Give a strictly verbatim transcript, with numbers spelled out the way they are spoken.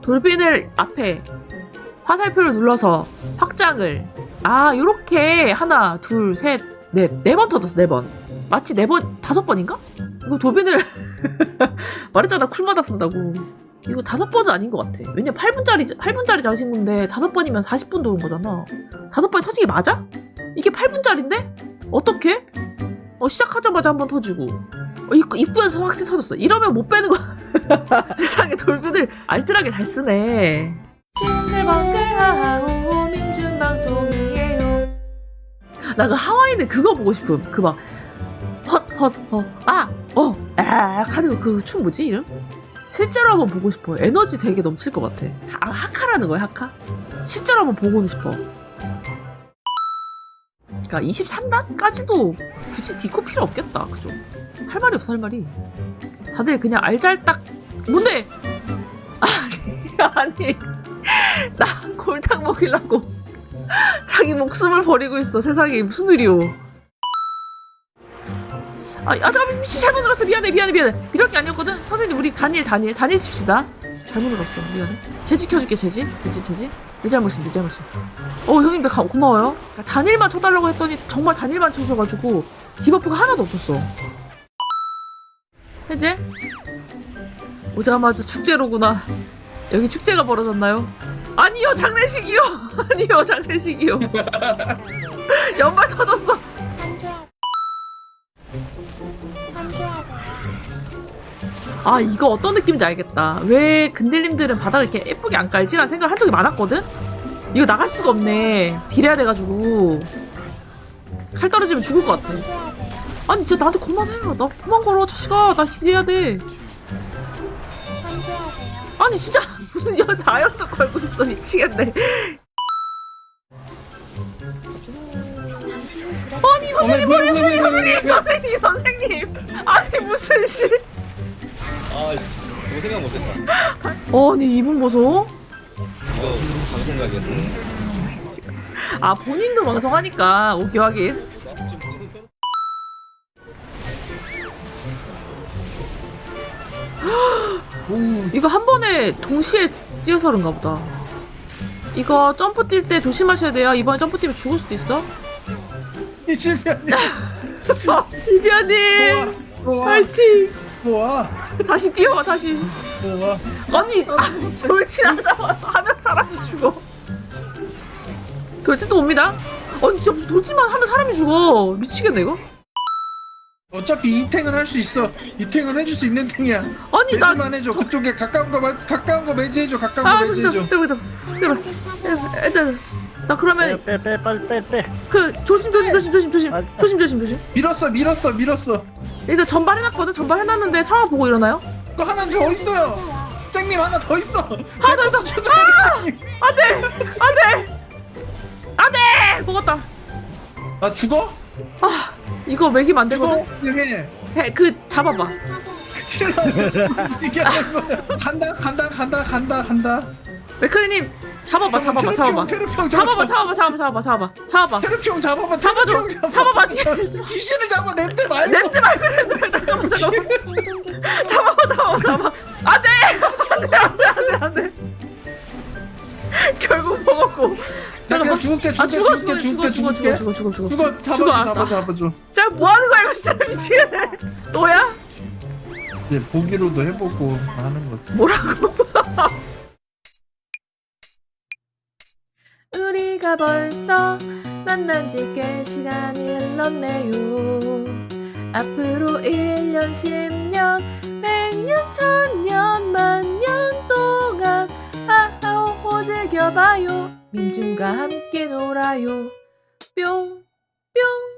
돌빈을 앞에 화살표를 눌러서 확장을 아 요렇게 하나 둘셋넷네 번 터졌어. 네 번 마치 네 번 다섯 번인가? 이거 돌빈을 말했잖아 쿨마다 쓴다고. 이거 다섯 번은 아닌 것 같아. 왜냐면 팔 분짜리 팔 분짜리 자신군데 다섯 번이면 사십 분 도는 거잖아. 다섯 번이 터지기 맞아? 이게 팔 분짜리인데? 어떻게? 어 시작하자마자 한 번 터지고 어, 입구, 입구에서 확실히 터졌어. 이러면 못 빼는 거야. 세상에 돌빈을 알뜰하게 잘 쓰네. 싱글벙글하고 민준방송이에요. 나 그 하와이는 그거 보고 싶음. 그 막 헛헛헛아어 하는 거 그 춤 뭐지 이름? 실제로 한번 보고 싶어. 에너지 되게 넘칠 것 같아. 아, 하카라는 거야 하카? 실제로 한번 보고는 싶어. 그러니까 이십삼 단까지도 굳이 디코 필요 없겠다. 그죠? 할 말이 없어 할 말이. 다들 그냥 알잘딱 뭔데? 아니 아니 나 골탕 먹이려고 자기 목숨을 버리고 있어. 세상에 무슨 일이오. 아, 아 잠깐만 미치 잘못 눌렀어. 미안해 미안해 미안해. 이럴 게 아니었거든. 선생님 우리 단일 단일 단일 칩시다. 잘못 눌렀어. 미안해. 재지 켜줄게 재지. 재지 재지. 내 잘못임 내 잘못임. 어 형님들 가, 고마워요. 그러니까 단일만 쳐달라고 했더니 정말 단일만 쳐주셔가지고 디버프가 하나도 없었어. 해제? 오자마자 축제로구나. 여기 축제가 벌어졌나요? 아니요 장례식이요. 아니요 장례식이요. 연말 터졌어. 아 이거 어떤 느낌인지 알겠다. 왜 근딜님들은 바닥을 이렇게 예쁘게 안 깔지라는 생각을 한 적이 많았거든? 이거 나갈 수가 없네. 딜해야 돼가지고 칼 떨어지면 죽을 것 같아. 아니 진짜 나한테 그만해라. 나 그만 걸어 자식아. 나 딜해야 돼. 아니 진짜 무슨 연 다연속 걸고 있어. 미치겠네. 아니 선생님 머리 선생님 선생님 선생님 선생님 아니 무슨 씨. 아씨 그거 생각 못했다. 아니 이분 보소. 이거 방송각이었어. 아 본인도 방송하니까 오케이 하긴. 이거 한 번에 동시에 뛰어서 그런가 보다. 이거 점프 뛸 때 조심하셔야 돼요. 이번에 점프 뛰면 죽을 수도 있어. 이 실패하니. 이비아님 좋아. 파이팅. 좋아. 다시 뛰어와 다시. 좋아. 아니 아, 돌진하자마자 하면 사람이 죽어. 돌진 또 옵니다. 아니 진짜 무슨 돌진만 하면 사람이 죽어. 미치겠네 이거. 어차피 이 탱은 할 수 있어. 이 탱은 해줄 수 있는 탱이야. 아니 나 매지만 해줘. 그쪽에 가까운 거 마- 가까운 거 매지해줘. 가까운 아, 거 진짜, 매지해줘. 때려, 때려, 때려, 애들, 나 그러면 빼 빼 빨리 빼빼 그 조심, 조심, 조심, 조심, 조심, 조심, 조심, 조심. 밀었어, 밀었어, 밀었어. 일단 전발 해놨거든. 전발 해놨는데 상황 보고 일어나요? 그거 하나 더 있어요. 짱님 하나 더 있어. 하나 더 있어. 아, 안돼, 안돼, 안돼, 먹었다. 나 죽어? 아, 이거 먹이면 안 되거든. 죽어? 해. 해, 그 잡아봐. 이게 하는 거야. 간다, 간다, 간다, 간다, 간다. 맥클리님 잡아봐, 잡아봐, 잡아봐, 테르평 잡아봐, 잡아봐, 잡아봐, 잡아봐, 잡아봐, 잡아봐. 테르평 잡아봐. 잡아줘. 테르평 잡아봐. 귀신을 잡아. 냄새 말고. 냄새 말고 냄새 말고. 잠깐만, 잠깐만. 잡아봐, 잡아봐, 잡아봐. 안돼, 안돼, 안돼, 안돼, 안돼. 결국 먹었고. 나 그냥 죽을게, 아 죽을게, 죽어, 죽을게, 죽어, 죽을게, 죽어, 죽어, 죽을게. 죽어, 죽어, 죽어. 죽어, 잡아줘, 죽어, 알았어. 잡아, 잡아줘. 자, 뭐 하는 거야 이거 진짜 미치겠네. 너야? 이제 보기로도 해보고 하는 거지. 뭐라고? 우리가 벌써 만난 지 꽤 시간이 흘렀네요. 앞으로 일 년, 십 년, 백 년, 천 년, 만 년 동안 하하호호 즐겨봐요. 민준과 함께 놀아요. 뿅, 뿅.